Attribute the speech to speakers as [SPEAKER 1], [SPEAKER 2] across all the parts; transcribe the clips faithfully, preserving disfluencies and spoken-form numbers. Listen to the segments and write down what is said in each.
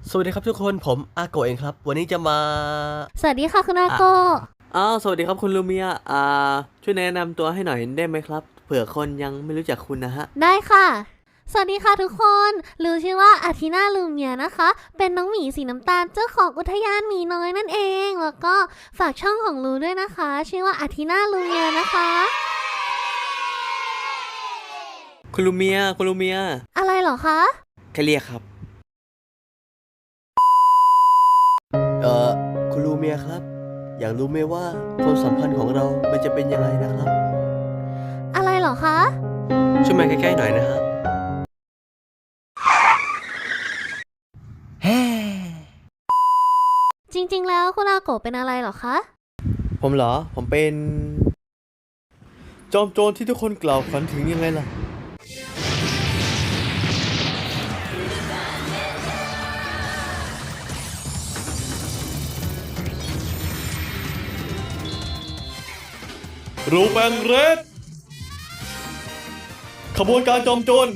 [SPEAKER 1] สวัสดีครับทุกคนผมอาโกะเองครับวันนี้จะมา
[SPEAKER 2] สวัสดีค่ะคุณอาโกะ
[SPEAKER 3] อ้าวสวัสดีครับคุณลูเมียอ่าช่วยแนะนำตัวให้หน่อยได้ไหมครับเผื่อคนยังไม่รู้จักคุณนะฮะ
[SPEAKER 2] ได้ค่ะสวัสดีค่ะทุกคนลูชื่อว่าอาทินาลูเมียนะคะเป็นน้องหมีสีน้ำตาลเจ้าของอุทยานหมีน้อยนั่นเองแล้วก็ฝากช่องของลูด้วยนะคะชื่อว่าอาทินาลูเมียนะคะ
[SPEAKER 3] คุณลูเมียคุณลูเมีย
[SPEAKER 2] อะไรเหรอคะ
[SPEAKER 3] แค่เรียกครับ
[SPEAKER 1] เอ่อคุณลูเมียครับอยากรู้ไหมว่าความสัมพันธ์ของเรามันจะเป็นยังไงนะครับ
[SPEAKER 2] อะไรเหรอคะ
[SPEAKER 1] ช่วยมาใกล้ๆหน่อยนะฮะ
[SPEAKER 2] จริงๆแล้วคุณอาโกะเป็นอะไรเหรอคะ
[SPEAKER 1] ผมเหรอผมเป็นจอมโจรที่ทุกคนกล่าวขวัญถึงยังไงล่ะรูแปงเรดขบวนการจอมโจร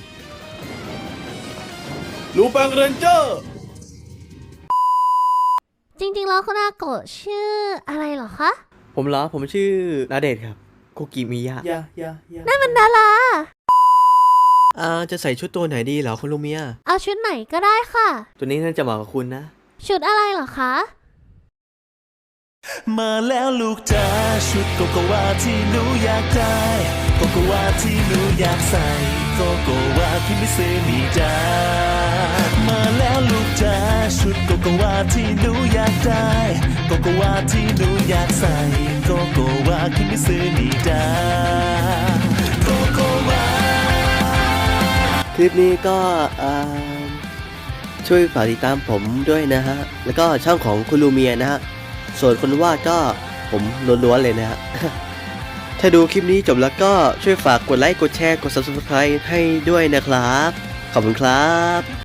[SPEAKER 1] รูแปงเรนเจอร์
[SPEAKER 2] จริงๆแล้วคุณอาโกะชื่ออะไรเหรอคะ
[SPEAKER 3] ผมเหรอผมชื่อนาเดชครับคุกิมิยะ
[SPEAKER 1] ยายายา
[SPEAKER 2] นั่นมันดารา
[SPEAKER 1] อ่าจะใส่ชุดตัวไหนดีเหรอคุณลูเมีย
[SPEAKER 2] เอาชุดไหนก็ได้ค่ะ
[SPEAKER 3] ตัวนี้น่าจะเหมาะกับคุณนะ
[SPEAKER 2] ชุดอะไรเหรอคะ
[SPEAKER 4] มาแล้วลูกจ๋าชุดโกโกวาที่หนูอยากได้โกโกวาที่หนูอยากใส่โกโกวาคิมิเซมิจ้ามาแล้วลูกจ๋าชุดโกโกวาที่หนูอยากได้โกโกวาที่หนูอยากใส่โกโกวาคิมิเซมิจ้าโกโกวา
[SPEAKER 1] คลิปนี้ก็อ่าช่วยฝากติดตามผมด้วยนะฮะแล้วก็ช่องของคุณลูเมียนะฮะส่วนคนวาดก็ผมล้วนๆเลยนะฮะ ถ้าดูคลิปนี้จบแล้วก็ช่วยฝากกดไลค์ กดแชร์ กด ซับสไครบ์ ให้ด้วยนะครับ ขอบคุณครับ